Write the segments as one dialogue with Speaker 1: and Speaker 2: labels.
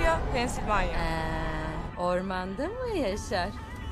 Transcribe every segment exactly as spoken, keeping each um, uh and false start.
Speaker 1: Philadelphia, Pensilvanya.
Speaker 2: Ee, ormanda mı yaşar?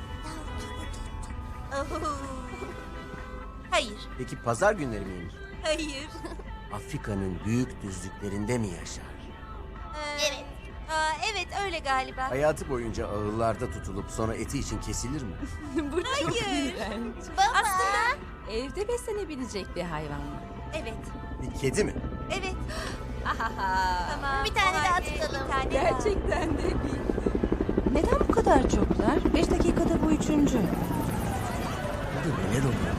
Speaker 3: Hayır,
Speaker 4: Peki pazar günleri miymiş?
Speaker 3: hayır.
Speaker 4: Afrika'nın büyük düzlüklerinde mi yaşar?
Speaker 3: Ee, evet. Aa, evet öyle galiba.
Speaker 4: Hayatı boyunca ağırlarda tutulup sonra eti için kesilir mi?
Speaker 2: Bu çok
Speaker 3: Hayır.
Speaker 2: iğrenç.
Speaker 3: Baba.
Speaker 2: Evde beslenebilecek bir hayvan mı?
Speaker 3: Evet,
Speaker 4: Bir kedi mi?
Speaker 3: evet.
Speaker 2: Ahaha.
Speaker 3: Tamam.
Speaker 5: Bir tane
Speaker 3: o
Speaker 5: daha
Speaker 3: halde
Speaker 5: tutalım.
Speaker 3: Bir tane
Speaker 2: Gerçekten de bildim. Neden bu kadar çoklar? Beş dakikada bu üçüncü.
Speaker 4: Burada neler oluyor?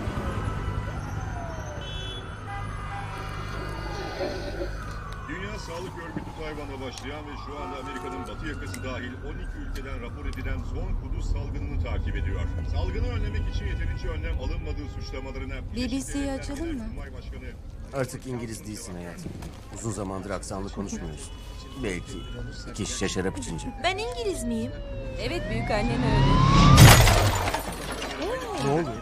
Speaker 6: Dünya Sağlık Örgütü Tayvan'da başlayan ve şu anda Amerika'nın batı yakası dahil on iki ülkeden rapor edilen son kuduz salgınını takip ediyor. Salgını önlemek için yeterince önlem alınmadığı suçlamalarına...
Speaker 2: B B C'yi açalım mı?
Speaker 6: Başkanı...
Speaker 4: Artık İngiliz değilsin hayatım. Uzun zamandır aksanlı konuşmuyoruz. Belki iki şişe şarap içince.
Speaker 3: Ben İngiliz miyim?
Speaker 2: Evet, büyük annen öyle.
Speaker 4: Ne oluyor?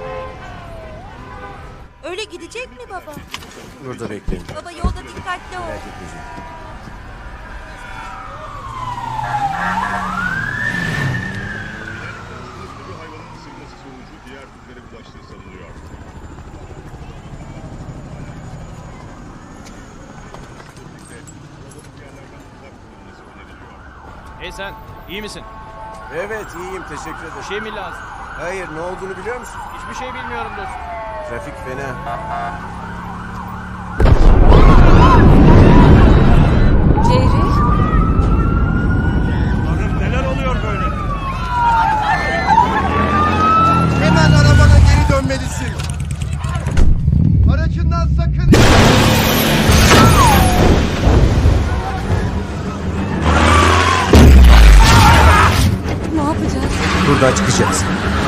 Speaker 3: Öyle gidecek mi baba?
Speaker 4: Burada bekleyin.
Speaker 3: Baba yolda dikkatli ol.
Speaker 4: Merak etmeyeceğim.
Speaker 6: Hızlı bir hayvanın ısırması sonucu diğer türlere bulaştığı sanılıyor.
Speaker 7: Hey sen, iyi misin?
Speaker 4: Evet iyiyim teşekkür
Speaker 7: Bir
Speaker 4: ederim.
Speaker 7: şey mi lazım?
Speaker 4: Hayır ne olduğunu biliyor musun?
Speaker 7: Hiçbir şey bilmiyorum dostum.
Speaker 4: Trafik fena.
Speaker 2: Jerry?
Speaker 7: Tanrım neler oluyor böyle?
Speaker 8: Hemen arabana geri dönmelisin. Aracından sakın...
Speaker 2: Ne yapacağız?
Speaker 4: Buradan çıkacağız.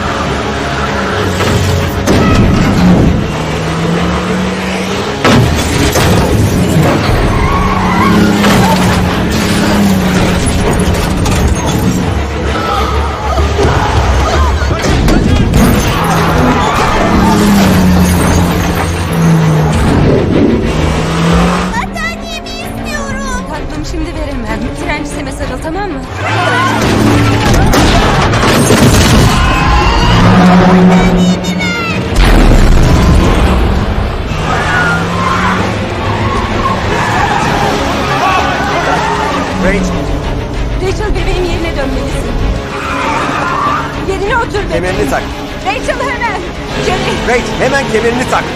Speaker 5: Battaniyemi istiyorum.
Speaker 2: Tatlım şimdi veremem. Trenciseme sarıl, tamam mı?
Speaker 4: Rachel
Speaker 2: Rachel, bebeğim yerine dönmelisin. Yerine otur bebeğim.
Speaker 4: kemerini tak.
Speaker 2: Rachel hemen. Jerry.
Speaker 4: Rachel hemen kemerini tak.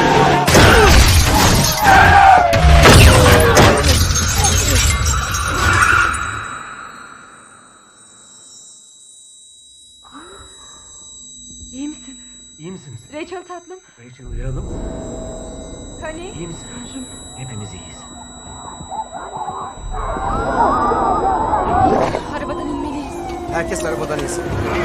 Speaker 2: İyi misin?
Speaker 4: İyi misiniz?
Speaker 2: Rachel tatlım.
Speaker 4: Rachel uyaralım.
Speaker 2: Honey.
Speaker 4: İyi misin?
Speaker 2: Tanrım.
Speaker 4: Hepimiz iyiyiz.
Speaker 2: Arabadan inmeliyiz.
Speaker 4: Herkes arabadan insin.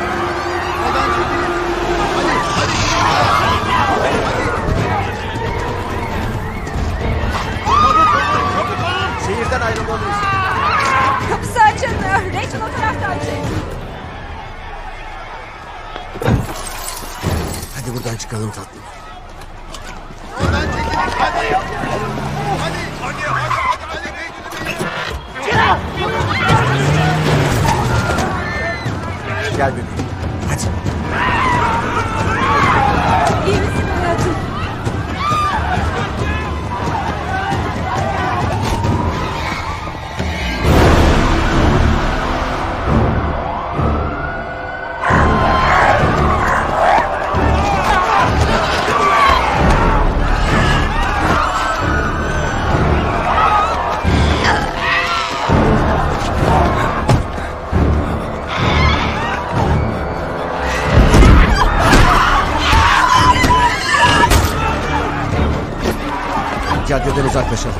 Speaker 4: Şehirden ayrılmalıyız.
Speaker 2: Kapısı açılmıyor. Rachel o taraftan çek.
Speaker 4: Hadi buradan çıkalım tatlım.
Speaker 8: Oradan çekilin. Hadi. Hadi. Hadi. Hadi. Hadi.
Speaker 4: Gel bebeğim. Hadi.
Speaker 2: İyi misin hayatım?
Speaker 4: Caddeden uzaklaşalım.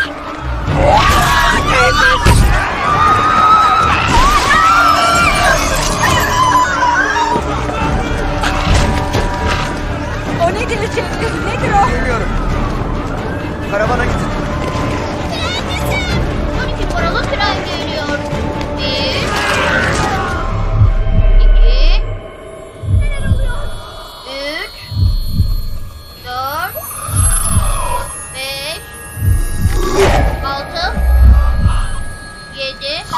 Speaker 2: O nedir Jerry? Nedir o?
Speaker 4: Bilmiyorum. Karavana gidin.
Speaker 5: on iki paralı tren geliyor. Bir. İki. Neler oluyor? Üç. Dört. Beş. Altı. Yedi.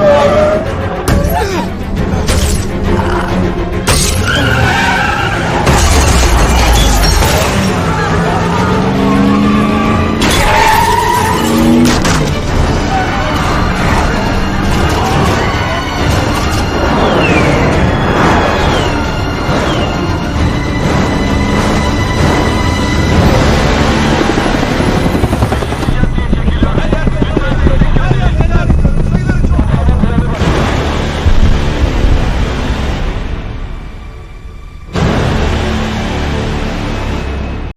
Speaker 8: Ah!